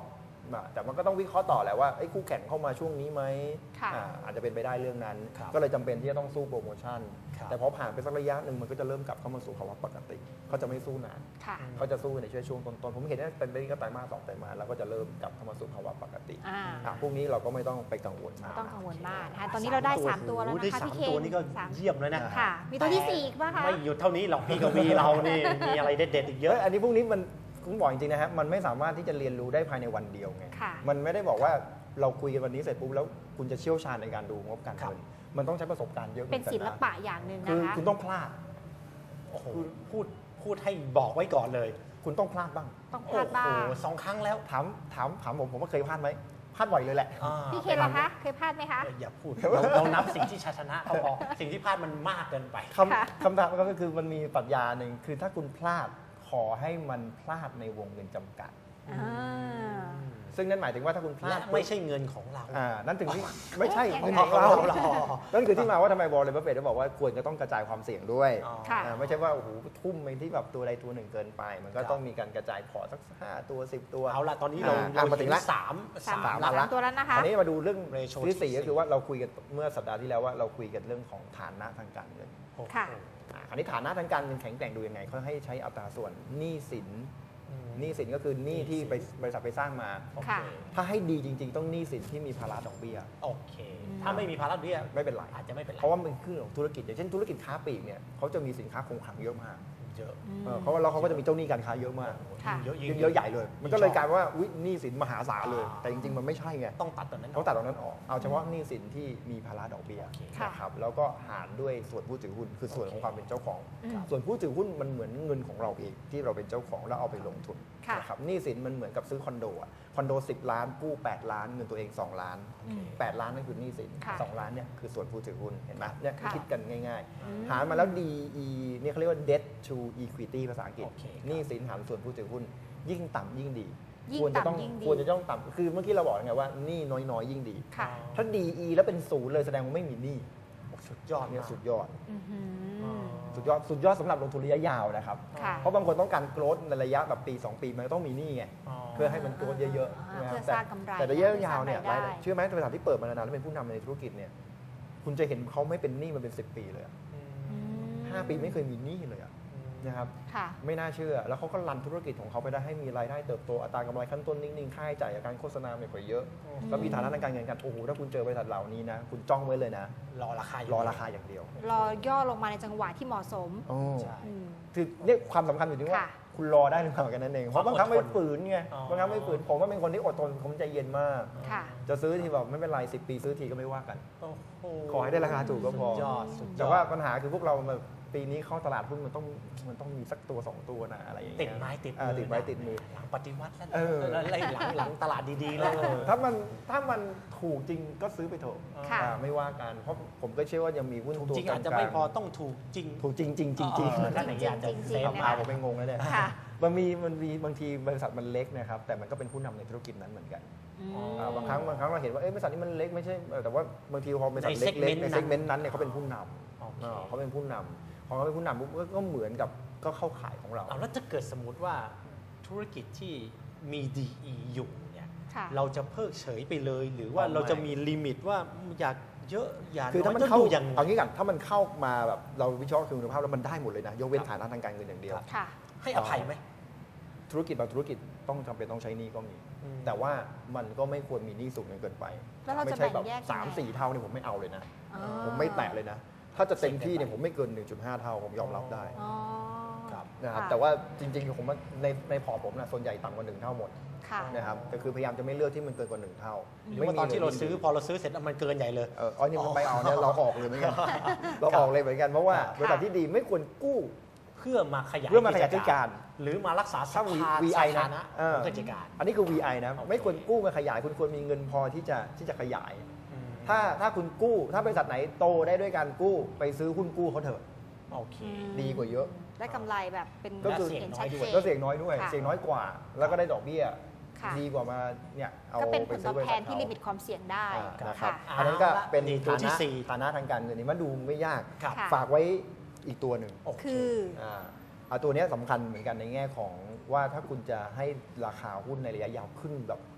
S2: แต่มันก็ต้องวิเคราะห์ต่อแหละว่าคู่แข่งเข้ามาช่วงนี้ไหม
S1: ค่ะ
S2: อาจจะเป็นไปได้เรื่องนั้น
S3: ครับ
S2: ก็เลยจำเป็นที่จะต้องสู้โปรโมชั่น
S3: ครับ
S2: แต่พอผ่านไปสักระยะหนึ่งมันก็จะเริ่มกลับเข้ามาสู่ภาวะปกติเขาจะไม่สู้นาน
S1: ค่ะ
S2: เขาจะสู้ในช่วงต้นๆผมเห็นว่าเป็นไปได้ไตรมาส2ไตรมาสแล้วก็จะเริ่มกลับเข้ามาสู่ภาวะปกติ พวกนี้เราก็ไม่ต้องไปกังวลมาก
S1: ไม่ต้องกังวลมากนะคะตอนนี้เราได้ 3 ตัวแล้ว
S3: โอ้โห
S1: นะคะ
S3: ได้
S1: พี่เคน
S3: 3 ตัวนี่ก็
S1: สาม
S3: เยี่ยมเลยนะ
S1: ค่ะ มีตัวที่ 4 อีกป่ะคะ
S3: ไม่หยุดเท่านี้หรอกพี่กวีเรานี่มีอะไรเด็ดๆอีกเย
S2: เย
S3: อะ
S2: อะอันนี้พวกนี้มันผมบอกจริงๆนะฮะมันไม่สามารถที่จะเรียนรู้ได้ภายในวันเดียวไง
S1: ค่ะ
S2: มันไม่ได้บอกว่าเราคุยกันวันนี้เสร็จปุ๊บแล้วคุณจะเชี่ยวชาญในการดูงบการ
S3: ครับ
S2: เงินมันต้องใช้ประสบการณ์เยอะ
S1: เป็น
S2: หมือกั
S1: ศิ
S2: น
S1: ล
S2: นะ
S1: ปะอย่างหนึ่ง
S2: คือ
S1: นะคะ
S2: คุณต้องพลาด
S3: โอ้โหพูดให้บอกไว้ก่อนเลย
S2: คุณต้องพลาดบ้าง
S1: ต้องพลาดบ้าง
S3: โอ้โห2 ครั้งแล้ว
S2: ถามผมว่าเคยพลาดไหมพลาดบ่อยเลยแหละ
S1: พี่เคนเหรอคะ เคยพลาดไหมคะ
S3: อย่าพูดเรานับสิ่งที่ชนะก็พอสิ่งที่พลาดมันมากเกินไป
S1: ค่ะ
S2: คำถามก็คือมันมีปรัชญาหนึ่งคือถ้าคุณพลาดขอให้มันพลาดในวงเงินจำกัด
S1: อ่า
S2: ซึ่งนั่นหมายถึงว่าถ้าคุณพลา
S3: และ
S2: ด
S3: ไม่ใช่เงินของเรา
S2: นั่นถึงที่ไม่ใช่
S1: โอ้
S2: เงิน
S1: ย
S2: ของเรา
S3: เรา
S2: นั่นคือที่มาว่าทำไมบอลเลยบัฟเฟตต์บอกว่าควรจะต้องกระจายความเสี่ยงด้วย
S1: ค่ะ
S2: ไม่ใช่ว่าโอ้โหทุ่มไปที่แบบตัวใดตัวหนึ่งเกินไป มันก็
S3: ครับ
S2: ต้องมีการกระจายพอร์ตสัก5ตัว10 ตัว
S3: เอาละตอนนี้เรา
S2: มาถึงละ
S3: สาม
S1: สาม
S3: ละ
S2: ละ
S1: ตัวแล้วนะคะ
S2: อันนี้มาดูเรื่อง
S3: Ratio
S2: ที่สี่
S3: ที่
S2: ก็คือว่าเราคุยกันเมื่อสัปดาห์ที่แล้วว่าเราคุยกันเรื่องของฐานะทางการเงิน
S3: โอ้โห
S1: ค่ะ
S2: คราวนี้ฐานะทางการเงินแข็งแกร่งดูยังไงเขาให้ใช้อัตราส่วนหนี้สิน
S3: อืม
S2: หนี้สินก็คือหนี้ที่ไปบริษัทไปสร้างมา
S3: โอเค
S1: ค่ะ
S2: ถ้าให้ดีจริง ๆ ต้องหนี้สินที่มีภาระดอกเบี้ย
S3: โอเค ถ้าไม่มีภาระเบี้ย
S2: ไม่เป็นไร
S3: อาจจะไม่เป็นไร
S2: เพราะว่ามันคือเรื่องของธุรกิจอย่างเช่นธุรกิจค้าปลีกเนี่ยเขาจะมีสินค้าคงคลังเยอะมาก
S3: เยอะ
S2: เพราะว่าเขาก็จะมีเจ้าหนี้การค้าเยอะมาก
S1: ค่ะ
S3: เยอะ
S2: เยอะใหญ่เลย มันก็เลยกลายเป็นว่าอุ๊ยหนี้สินมหาศาลเลย แต่จริงๆมันไม่ใช่ไง
S3: ต้องตัดตอนนั้น
S2: ต้องตัดตรงนั้นออกเอาเฉพาะหนี้สินที่มีภาระดอกเบี้ย
S3: โอเค
S1: ค่ะ
S2: นะครับแล้วก็หารด้วยส่วนผู้ถือหุ้นคือส่วนของความเป็นเจ้าของ
S1: อืม
S2: ส่วนผู้ถือหุ้นมันเหมือนเงินของเราเองที่เราเป็นเจ้าของแล้วเอาไปลงทุน
S1: ค่ะ
S2: นะครับหนี้สินมันเหมือนกับซื้อคอนโดอะคอนโด10 ล้านกู้8 ล้านเงินตัวเอง2 ล้าน
S1: อืม
S2: 8 ล้านนั่นคือหนี้สิน
S1: ค่ะ
S2: 2 ล้านเนี่ยคือส่วนผู้ถือหุ้นเห็นไหมเนี่ย
S1: ค่ะ
S2: คิดกันง่าย
S1: อืม
S2: ๆ หารมาแล้ว DE เนี่ยเขาเรียกว่า debt to equity ภาษาอังกฤษ
S3: โอเคครับ
S2: หนี้สินหารส่วนผู้ถือหุ้น ยิ่งต่ำยิ่งดี
S1: ยิ่ง
S2: ควรจะต้อง
S1: ต่ำยิ่งดี
S2: ควรจะต้องต่ำคือเมื่อกี้เราบอกไงว่าหนี้น้อยๆยิ่งดี
S1: ค่ะ
S2: ถ้า DE แล้วเป็นศูนย์เลยแสดงว่าไม่มีหนี้
S3: สุดยอด
S2: เนี่ย
S3: มาก
S2: สุดยอด
S1: อื้อหือ
S2: สุดยอดสำหรับลงทุนระยะยาวนะครับ
S1: ค่ะ
S2: เพราะบางคนต้องการโกรธในระยะแบบปี 2 ปีมันก็ต้องมีหนี้ไง เพื่อให้มันโกรธเยอะๆใช่ไหมค
S1: เพื่
S2: รั
S1: อบ สร้างกำไร
S2: แต่ระยะยาวเนี่ย
S1: เพื่อสร้างรายได้
S2: เชื่อไหมบริษัทที่เปิดมานานๆแล้วเป็นผู้นำในธุรกิจเนี่ยคุณจะเห็นเขาไม่เป็นหนี้มาเป็น 10 ปีเลยอะ
S1: อืม
S2: 5 ปีไม่เคยมีหนี้เลยอะนะครับ
S1: ค่ะ
S2: ไม่น่าเชื่อ แล้วเขาก็รันธุรกิจของเขาไปได้ให้มีรายได้เติบโตอัตรากำไรขั้นต้นนิ่งๆค่าใช้จ่ายจากการโฆษณาไม่ค่อยเยอะแล้วมีฐานะทางการเงินกันโอ้โหถ้าคุณเจอบริษัทเหล่านี้นะคุณจ้องไว้เลยนะ
S3: รอราคา
S2: รอราคาอย่างเดียว
S1: รอย่อลงมาในจังหวะที่เหมาะสม
S2: โอ้
S3: ใช่
S1: อืม
S2: คือเนี่ยความสำคัญอยู่ที่ว่า
S1: ค่ะ
S2: คุณรอได้หรือเปล่ากันนั่นเอง เพราะบางครั้งไม่ฝืนไง
S3: อ๋อ
S2: บางครั้งไม่ฝืน ผมว่าเป็นคนที่อดทนผมใจเย็นมาก
S1: ค่ะ
S2: จะซื้อทีแบบไม่เป็นไร10 ปีซื้อทีก็ไม่ว่ากัน
S3: โอ้โห
S2: ขอให้ได้ราคาถูกก็พอ
S3: สุดยอดสุดยอด
S2: แต่ว่าปัญหาคือพวกเรามาปีนี้เข้าตลาดหุ้นมันต้องมีสักตัว2ตัวนะอะไรอย่างเงี้ย
S3: ติดไม้ติด
S2: ติดไม้ติดมือ
S3: หลังปฏิวัติแล้ว
S2: เออ
S3: แล้วหลังตลาดดีๆแล้ว
S2: ถ้ามันถูกจริงก็ซื้อไปเถอะ
S1: ค่ะ
S2: ไม่ว่ากัน เพราะผมก็เชื่อว่ายังมีหุ้น
S3: ถูก
S2: ตัว
S3: จริง
S2: กลา
S3: อาจจะไม่พอต้องถูกจริง
S2: ถูกจริงจริงจริงจริง
S3: นั่นอย่างเงี้ยอาจจะ
S1: จริงๆ
S3: เซฟ
S1: นะ
S2: พา
S1: คะ
S2: ผมไปงงแล้วเนี่ย
S1: ค่ะ
S2: มันมีบางทีบริษัทมันเล็กนะครับแต่มันก็เป็นผู้นำในธุรกิจนั้นเหมือนกัน
S1: อืม
S2: บางครั้งเราเห็นว่าบริษัทนี้มันเล็กไม่ใช่แต่ว่าบางทีพอบริษัท
S3: ใน
S2: เล็กๆใน
S3: segment
S2: เซกเมนต์นั้นเนี่ยเขาเป็นผู้น
S3: โอเค
S2: ำเขาเป็นผู้นำพอเขาเป็นผู้นำปุ๊บก็เหมือนกับก็เข้าขายของเรา
S3: เอาแล้วจะเกิดสมมติว่าธุรกิจที่มี DE อยู่เนี่ย
S1: ค่ะ
S3: เราจะเพิกเฉยไปเลย หรือว่า
S2: อ๋อไม่
S3: เราจะมีลิมิตว่าอยากเยอะอยาก
S2: คือถ้ามัน
S3: น้ย
S2: เข้า
S3: ต้องดูยังไง
S2: เอางี้กันถ้ามันเข้ามาแบบเราวิเคราะห์คุณภาพแล้วมันได้หมดเลยนะยกเว้นฐานะทางการเงินอย่างเดียว
S1: ค่ะ
S3: ให้อภัยไหม
S2: ธุรกิจบางธุรกิจต้องจำเป็นต้องใช้หนี้ก็มี
S3: อืม
S2: แต่ว่ามันก็ไม่ควรมีหนี้สูงจนเกินไป
S1: แล้วเราจะ
S2: ไม่ใช่แบบ
S1: แบ่งแยกยังไง
S2: 3-4 เท่าเนี่ยผมไม่เอาเลยนะ
S1: อ๋อ
S2: ผมไม่แตะเลยนะ ถ้าจะเต็มที่เนี่ยผมไม่เกิน 1.5 เท่าผมยอมรับได้
S1: อ๋อ
S3: ครับ
S2: นะครับ
S1: ค่ะ
S2: แต่ว่าจริงๆผมว่าในพอร์ตผมนะส่วนใหญ่ต่ำกว่า1 เท่าหมด
S1: ค่ะ
S2: นะครับแต่คือพยายามจะไม่เลือกที่มันเกินกว่า1 เท่า
S3: หรือว่าตอนที่เราซื้อพอเราซื้อเสร็จแล้วมันเกินใหญ่เลย
S2: นี่มันไม่เอาเนี่ยเราออกเลยเหมือนกันเราออกเลยเหมือนกันเพราะว่า
S3: ค่ะ
S2: บริษัทที่ดีไม่ควรกู้
S3: เพื่อมาขยาย
S2: เพื่อมาขยายกิจการ
S3: หรือมารักษาส
S2: ถ้า
S3: ภา
S2: VI
S3: สา
S2: นะ
S3: ธารณะ
S2: เออ
S3: ของกิจการ
S2: อันนี้คือ VI นะ
S3: โอเค
S2: ไม่ควรกู้มาขยายคุณควรมีเงินพอที่จะขยาย
S3: อืม
S2: ถ้าคุณกู้ถ้าบริษัทไหนโตได้ด้วยการกู้ไปซื้อหุ้นกู้เขาเถอะ
S3: โอเค
S2: ดีกว่าเยอะ
S1: ได้กำไรแบบเป็น
S2: ก็คือ
S1: เห็นชัดเจน
S2: ก็เสี่ยงน้อยด้วย
S1: ค่ะ
S2: เสี่ยงน้อยกว่า แล้วก็ได้ดอกเบี้ย
S1: ค่ะ
S2: ดีกว่ามาเนี่ยเอา
S1: ก็เป็นผ
S2: ไป
S1: ลต
S2: ซื้
S1: อ
S2: อบ บริ
S1: แท
S2: ษัท
S1: นที่ลิมิตความเสี่ยงได้
S2: นะครับ
S1: ค่ะ
S2: อันนั้นก็เป็น
S3: นี่
S2: ตัว
S3: ที่
S2: ที่
S3: สี่
S2: ฐานะทางการเงินนี่มาดูไม่ยาก
S3: ครับ
S1: ค่ะ
S2: ฝากไว้อีกตัวหนึ่ง
S3: โอเค
S1: คือ
S2: ตัวเนี้ยสำคัญเหมือนกันในแง่ของว่าถ้าคุณจะให้ราคาหุ้นในระยะยาวขึ้นแบบ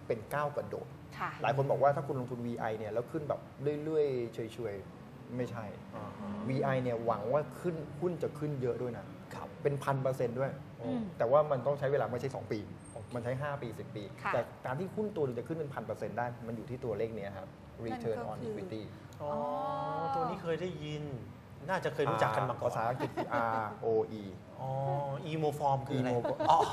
S2: เป็นก้าวกระโดด
S1: ค่ะ
S2: หลายคนบอกว่าถ้าคุณลงทุน VI เนี่ยแล้วขึ้นแบบเรื่อยๆเฉยๆไม่ใช่ VI เนี่ยหวังว่าขึ้นหุ้นจะขึ้นเยอะด้วยนะครับเป็น1,000%ด้วย
S1: อืม
S2: แต่ว่ามันต้องใช้เวลาไม่ใช่2 ปี มันใช้5 ปี10 ปี
S1: ค่ะ
S2: แต่การที่หุ้นตัวนึงจะขึ้นเป็น1,000%ได้มันอยู่ที่ตัวเลขเนี้ยครับ return
S1: นั่นก็
S2: on
S1: คือ
S2: equity
S3: อ๋อตัวนี้เคยได้ยิน น่าจะเคยรู้จักกันมาก่อน
S2: ภาษาอังกฤษคือ ROE
S3: อ๋อ emo form คืออะไร
S2: emo
S3: อ๋อ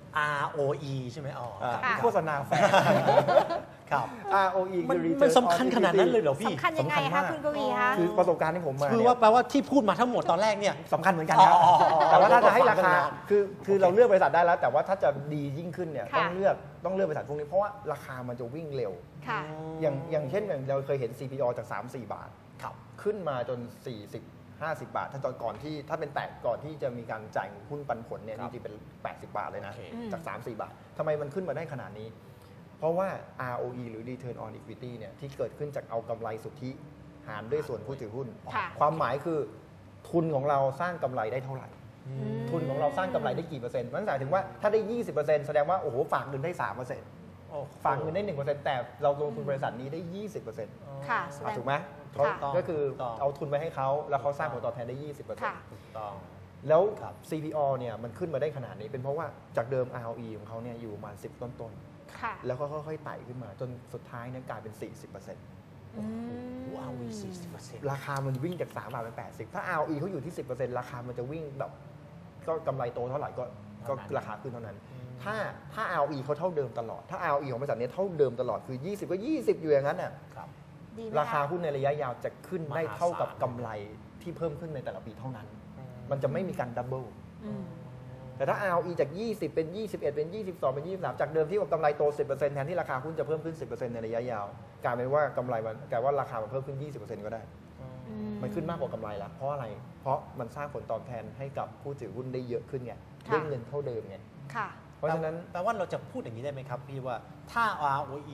S3: ROE ใช่ไหมอ๋อครับ
S1: ค่ะ
S2: โฆษณาแฝง
S3: ครับ
S2: ROE
S3: มัน
S2: คือ
S3: มัน
S2: return
S3: สำคัญ
S2: on
S3: ขนาดนั้น
S2: equity
S3: เลยเหรอพี่
S1: สำคัญยังไง
S2: สำคัญ
S1: คะ
S2: มาก
S1: คุณกวีคะ
S2: คือประสบการณ์ที่ผมมา
S3: คือ
S2: เนี่ย
S3: ว่าแปลว่าที่พูดมาทั้งหมดตอนแรกเนี่ย
S2: สำคัญเหมือนกันครับ
S3: อ๋อ
S2: แต่ว่าถ้าจะให้รา
S3: ฟังกั
S2: คาน
S3: นาน
S2: คือเราเลือกบริษัทได้แล้ว แต่ว่าถ้าจะดียิ่งขึ้นเนี่ย
S1: ค่ะ
S2: ต้องเลือกบริษัทพวกนี้เพราะว่าราคามันจะวิ่งเร็ว
S1: ค่ะ
S2: อย่างเช่นอย่างเราเคยเห็น CPO จาก 3-4 บาท
S3: ครับ
S2: ขึ้นมาจน 40-50 บาท ถ้าตอนก่อนที่ถ้าเป็นแตกก่อนที่จะมีการจ่ายหุ้นปันผลเนี่ย
S3: ครั
S2: จ
S3: บ
S2: ริงๆเป็น 80 บาทเลยนะ
S3: โอเค
S2: จาก 3-4 บาททำไมมันขึ้นมาได้ขนาดนี้ เพราะว่า ROE หรือ Return on Equity เนี่ยที่เกิดขึ้นจากเอากำไรสุทธิหารด้วยส่วนผู้ถือหุ้น
S1: ค่ะ
S2: ความหมายคือทุนของเราสร้างกำไรได้เท่าไหร่
S3: อื
S1: อื
S3: ม
S1: ม
S2: ทุนของเราสร้างกำไรได้กี่เปอร์เซ็นต์นั่นหมายถึงว่าถ้าได้ 20%แสดงว่าโอ้โหฝากเงินได้ 3%
S3: โอ้โห
S2: ฝากเงินได้ 1%แต่เราลงทุนบริษัทนี้ได้ 20%
S1: ค่ะแสดง
S2: ถูกไหมเขา
S1: ค่ะ
S2: ก็คือ
S3: ถูกต้อง
S2: เอาทุนไปให้เขาแล้วเขาสร้างผลตอบแทนได้ 20%
S1: ค่ะ
S3: ถูกต้อง
S2: แล้ว
S3: ครับ
S2: CPO เนี่ยมันขึ้นมาได้ขนาดนี้เป็นเพราะว่าจากเดิม ROE ของเขาเนี่ยอยู่ประมาณ10 ต้น
S1: ค่ะ
S2: ๆแล้วก็ค่อยๆไต่ขึ้นมาจนสุดท้ายเนี่ยกลายเป็น 40%
S1: อืม
S3: ว้าว40%
S2: ราคามันวิ่งจาก3บาทเป็น80ถ้า ROE เขาอยู่ที่ 10%ราคามันจะวิ่งแบบก็กำไรโตเท่าไหร่ก็
S3: เท่านั้น
S2: ราคาขึ้นเท่านั้น
S3: อืม
S2: ถ้า ROE เขาเท่าเดิมตลอด ถ้า ROE ของบริษัทเนี้เท่าเดิมตลอดคือ 20 ก็ 20 อยู่อย่างนั้นน่ะ
S3: ครับ
S1: ดีไหม
S2: ราคาหุ้นในระยะยาวจะขึ้นได้เท่ากับ
S3: มหาศาล
S2: กำไรที่เพิ่มขึ้นในแต่ละปีเท่านั้น มันจะไม่มีการดับเบิล
S1: อืม
S2: แต่ถ้า ROE จาก 20 เป็น 21 เป็น 22 เป็น 23 จากเดิมที่ว่ากำไรโต 10% แทนที่ราคาหุ้นจะเพิ่มขึ้น 10% ในระยะยาวกลายเป็นว่ากำไรมันกลายว่าราคามันเพิ่มขึ้น 20% ก็ได้ มันขึ้นมากกว่ากำไรแล้วเพราะอะไร เพราะมันสร้างผลตอบแทนให้กับผู้ถือหุ้นได้เยอะขึ้นไง
S1: ค่ะ
S2: ได้เงินเท่าเดิมไง
S1: ค่ะ
S2: เพราะฉะนั้น
S3: แปลว่าเราจะพูดอย่างนี้ได้ไหมครับพี่ว่าถ้า ROE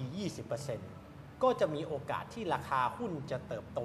S3: 20%ก็จะมีโอกาสที่ราคาหุ้นจะเติบโต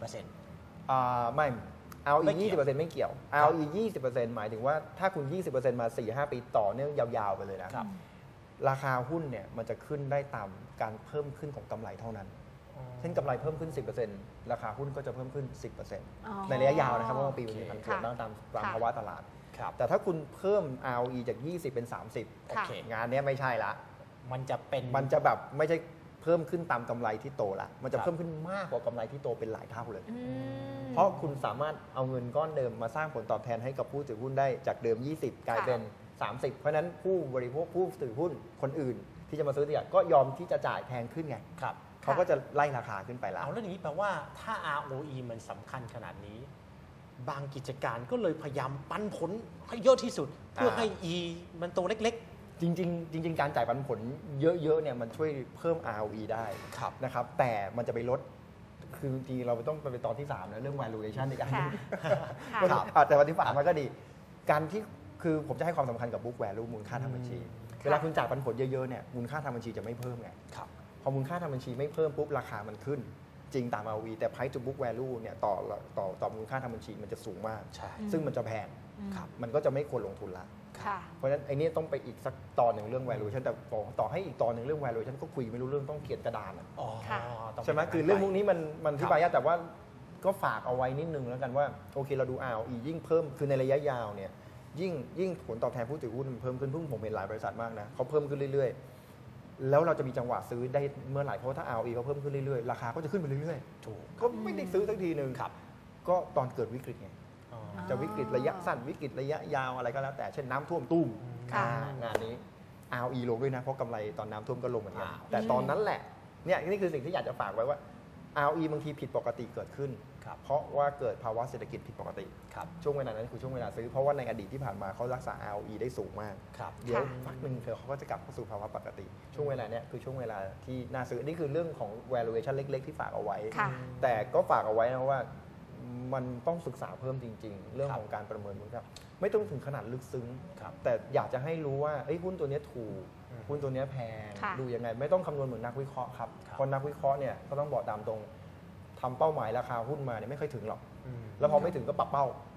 S3: 20%
S2: ไม่ ROE
S3: ไม่เกี่ยว
S2: 20%ไม่เกี่ยว ROE 20%หมายถึงว่าถ้าคุณ 20% มา 4-5 ปีต่อเนื่องยาวๆไปเลยนะครับ ราคาหุ้นเนี่ยมันจะขึ้นได้ตามการเพิ่มขึ้นของกำไรเท่านั้น เช่นกำไรเพิ่มขึ้น 10%ราคาหุ้นก็จะเพิ่มขึ้น 10% ในระยะยาวนะครับเพราะว่าปีมันมีผันผวน
S1: ค่ะ
S2: บ้างตาม
S1: ค่ะ
S2: ภาวะตลาด
S3: ครับ
S2: แต่ถ้าคุณเพิ่ม ROE จาก 20 เป็น 30
S3: โอเค
S2: งานเนี้ยไม่ใช่ละ
S3: มันจะเป็น
S2: มันจะแบบไม่ใช่เพิ่มขึ้นตามกำไรที่โตละ มันจะ
S3: ครับ
S2: เพิ่มขึ้นมากกว่ากำไรที่โตเป็นหลายเท่าเลย
S1: อืม
S2: เพราะคุณสามารถเอาเงินก้อนเดิมมาสร้างผลตอบแทนให้กับผู้ถือหุ้นได้จากเดิม 20 กลายเป็น 30 เพราะฉะนั้นผู้บริโภคผู้ถือหุ้นคนอื่น ที่จะมาซื้อเนี่ยก็ยอมที่จะจ่ายแพงขึ้นไง
S3: ครับ
S2: เขาก็จะไล่ราคาขึ้นไปแล้ว
S3: เอาแล้วอย่างนี้แปลว่าถ้า ROE มันสำคัญขนาดนี้ บางกิจการก็เลยพยายามปันผลให้เยอะที่สุด เพื่อให้ E มันโตเล็ก
S2: จริง ๆ การจ่ายปันผลเยอะๆเนี่ยมันช่วยเพิ่ม ROE ได้
S3: ครับ
S2: นะครับแต่มันจะไปลดคือจริงๆเราต้องไปตอนที่3นะเรื่อง valuation อีกอันหนึง
S1: ค่ะ
S2: มัน
S3: ครับ
S2: แต่วันที่3มันก็ดี การที่คือผมจะให้ความสำคัญกับ book value มูลค่าทางบัญชี เวลาคุณจ่ายปันผลเยอะๆเนี่ยมูลค่าทางบัญชีจะไม่เพิ่มไง
S3: ๆ ครับ
S2: พอมูลค่าทางบัญชีไม่เพิ่มปุ๊บราคามันขึ้น จริงตาม ROE แต่ price to book value เนี่ยต่อมูลค่าทางบัญชีมันจะสูงมาก
S3: ใช่
S2: ซึ่งมันจะแพง
S1: ครับ
S2: มันก็จะไม่ควรลงทุนละ
S1: ค่ะ
S2: เพราะฉะนั้นไอ้นี่ต้องไปอีกสักตอนหนึ่งเรื่อง valuation แต่ต่อให้อีกตอนหนึ่งเรื่อง valuation ก็คุยไม่รู้เรื่องต้องเขียนกระดานอะ
S3: อ๋อ
S1: ค่ะ
S3: ต้ง
S2: ใช่ไหม
S3: ป็น
S2: คือเรื่องพวกนี้มัน
S3: ครับ
S2: ที่บายากแต่ว่าก็ฝากเอาไว้นิดนึงแล้วกันว่าโอเคเราดู ROE ยิ่งเพิ่มคือในระยะยาวเนี่ยยิ่งผลตอบแทนผู้ถือหุ้นมันเพิ่มขึ้นเพิ่งผมเห็นหลายบริษัทมากนะเขาเพิ่มขึ้นเรื่อยๆ แล้วเราจะมีจังหวะซื้อได้เมื่อไหร่เพราะว่าถ้า ROE เขาเพิ่มขึ้นเรื่อยๆราคาก็จะขึ้นไปเรื่อย
S3: ถูก
S2: ๆก็ไม่ได้ซื้อสักทีหนึ่ง
S3: ครับ
S2: ก็ตอนเกิดวิกฤตไง
S3: อ๋อ
S2: จะวิกฤตระยะสั้นวิกฤตระยะยาวอะไรก็แล้วแต่เช่นน้ำท่วมตุ้ม
S1: ค่ะ
S2: งานนี้ ROE ลงด้วยนะเพราะกำไรตอนน้ำท่วมก็ลงเหมือนกัน
S3: อ่า
S2: แต่ตอนนั้นแหละเนี่ยนี่คือสิ่งที่อยากจะฝากไว้ว่า ROE บางทีผิดปกติเกิดขึ้น
S3: ครับ
S2: เพราะว่าเกิดภาวะเศรษฐกิจผิดปกติ
S3: ครับ
S2: ช่วงเวลานั้นคือช่วงเวลาซื้อเพราะว่าในอดีตที่ผ่านมาเขารักษา ROE ได้สูงมาก
S3: ครับ
S2: เดี๋ยวพักหนึ่งเขาก็จะกลับเข้าสู่ภาวะปกติ ช่วงเวลาเนี้ยคือช่วงเวลาที่น่าซื้อนี่คือเรื่องของ valuation เล็ก ๆ ที่ฝากเอาไว้
S1: ค่ะ
S2: แต่ก็ฝากเอาไว้นะว่ามันต้องศึกษาเพิ่มจริง ๆ เรื่อง
S3: ครับ
S2: ของการประเมินมูลค่าไม่ต้องถึงขนาดลึกซึ้ง
S3: ครับ
S2: แต่อยากจะให้รู้ว่าเอ้ยหุ้นตัวเนี้ยถูก
S3: อืม
S2: หุ้นตัวเนี้ยแพง
S1: ค่ะ
S2: ดูยังไงไม่ต้องคำนวณเหมือนนักวิเคราะห์ครับ
S3: ครับ
S2: เพราะนักวิเคราะห์เนี่ยก็ต้องบอกตามตรงทำเป้าหมายราคาหุ้นมาเนี่ยไม่ค่อยถึงหรอก
S3: อืม
S2: แล้วพอไม่ถึงก็ปรับเป้า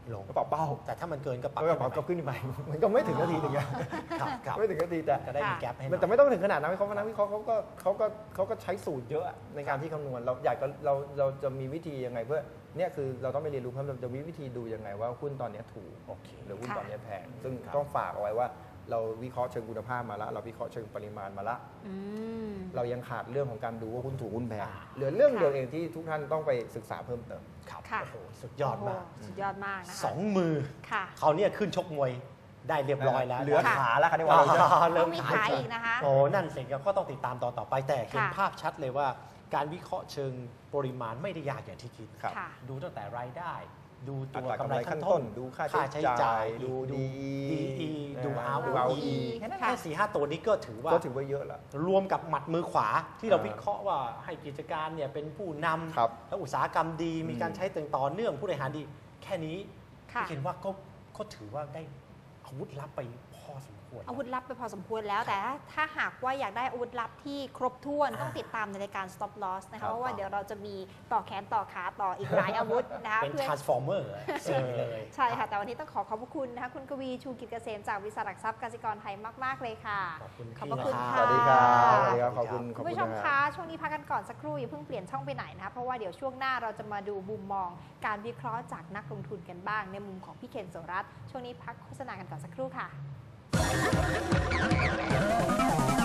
S3: ลง
S2: ก็ปรับเป้า
S3: แต่ถ้ามันเกินก็ปรับ
S2: ก็ปรับก็ขึ้นไปมันก็ไม่ถึงนาทีอย่างเงี้ย
S3: ครับ
S2: ไม่ถึงนาทีแต่
S3: ก็ได้มีแกลบให้หน่อย
S2: แต่ไม่ต้องถึงขนาดนั้นนักวิเคราะห์เขาก็ใช้สูตรเยอะในการที่คำนวณเราจะมีวิธียังไงเพื่อเนี่ยคือเราต้องไปเรียนรู้เพิ่มเราจะมีวิธีดูยังไงว่าหุ้นตอนนี้ถูก
S3: โอเค
S2: หรือหุ้น
S1: ค่ะ
S2: ตอนนี้แพงซึ่ง
S3: ครับ
S2: ต้องฝากเอาไว้ว่าเราวิเคราะห์เชิงคุณภาพมาแล้วเราวิเคราะห์เชิงปริมาณมาแล้ว
S1: อืม
S2: เรายังขาดเรื่องของการดูว่าหุ้นถูกหุ้นแพง
S3: อ่า
S2: เหลือเรื่องเดียวเองที่ทุกท่านต้องไปศึกษาเพิ่มเติม
S3: ครับ
S1: ค่ะ
S3: โอ้โหสุดยอดมาก
S1: โโหสุดยอดมากนะคะ
S3: สองมือ
S1: ค่ะ
S3: เขาเนี่ยขึ้นชกมวยได้เรียบร้อยแล้ว
S2: เหลือ
S1: ค่ะ
S2: ขาแล้วค่ะที่ว่าเราจะ
S3: เริ่
S1: ต้อ
S3: ม
S1: งมี
S3: ขาย
S1: ขายอีกนะคะ
S3: โอ้นั่นสิก็ต้องติดตามต่อไปแต่เห็น
S1: ค่ะ
S3: ภาพชัดเลยว่าการวิเคราะห์เชิงปริมาณไม่ได้ยากอย่างที่คิด
S2: ครับ
S1: ค่ะ
S3: ดูตั้งแต่รายได้ ดู
S2: อั
S3: ตัว
S2: ตราก
S3: ำ
S2: ำ
S3: ไร
S2: ไร
S3: ขั้
S2: ขั้
S3: น
S2: น
S3: ต้
S2: ต้
S3: น
S2: น ดูค่าใช้จ่ายดู DE
S3: ดู
S2: ดู
S3: ROE
S2: ROE
S3: แค่นั้น
S1: ค่ะ
S3: แค่4-5 ตัวนี้ก็ถือว่า
S2: ก็ถือว่าเยอะแล้ว
S3: รวมกับหมัดมือขวาที่เรา
S2: อ่า
S3: วิเคราะห์ว่าให้กิจการเนี่ยเป็นผู้น
S2: ครับ
S3: ำแล้วอุตสาหกรรมดีมีการใช้ต่อเนื่องผู้บริหารดี แค่นี้
S1: ค่ะ
S3: พี่เห็นว่าก็ถือว่าได้อาวุธลับไปพอสมควร
S1: อาวุธลับไปพอสมควรแล้ว แต่ถ้าหากว่าอยากได้อาวุธลับที่ครบถ้วนต้องติดตามในรายการ stop loss นะ
S2: ครั
S1: คะ
S2: บ
S1: เพราะว่าเดี๋ยวเราจะมีต่อแขนต่อขาต่ออีกหลายอาวุธนะคะ
S3: เป็น
S1: เพื่อ
S3: transformer สิ่งเลย
S1: ใช่ค่ะ แต่วันนี้ต้องขอบพระคุณนะคะคุณกวีชูกิจเกษมจากบริษัทหลักทรัพย์กสิกรไทยมาก ๆ เลยค่ะ
S3: ขอบคุณ
S1: ขอบพระคุณ
S3: พี่น
S1: ค่ะ
S2: สวัสดีครับสวัสดีครับ
S3: ะ
S2: ขอบคุณ
S1: คุณผู้ชม
S2: นะ
S1: คะ ช่วงนี้พักกันก่อนสักครู่อย่าเพิ่งเปลี่ยนช่องไปไหนนะคะเพราะว่าเดี๋ยวช่วงหน้าเราจะมาดูมุมมองการวิเคราะห์จากนักลงทุนกันบ้าง ในมุมของพี่เคนโสรัตน์ช่วงนี้พักโฆษณากันก่อนสักครู่ค่ะ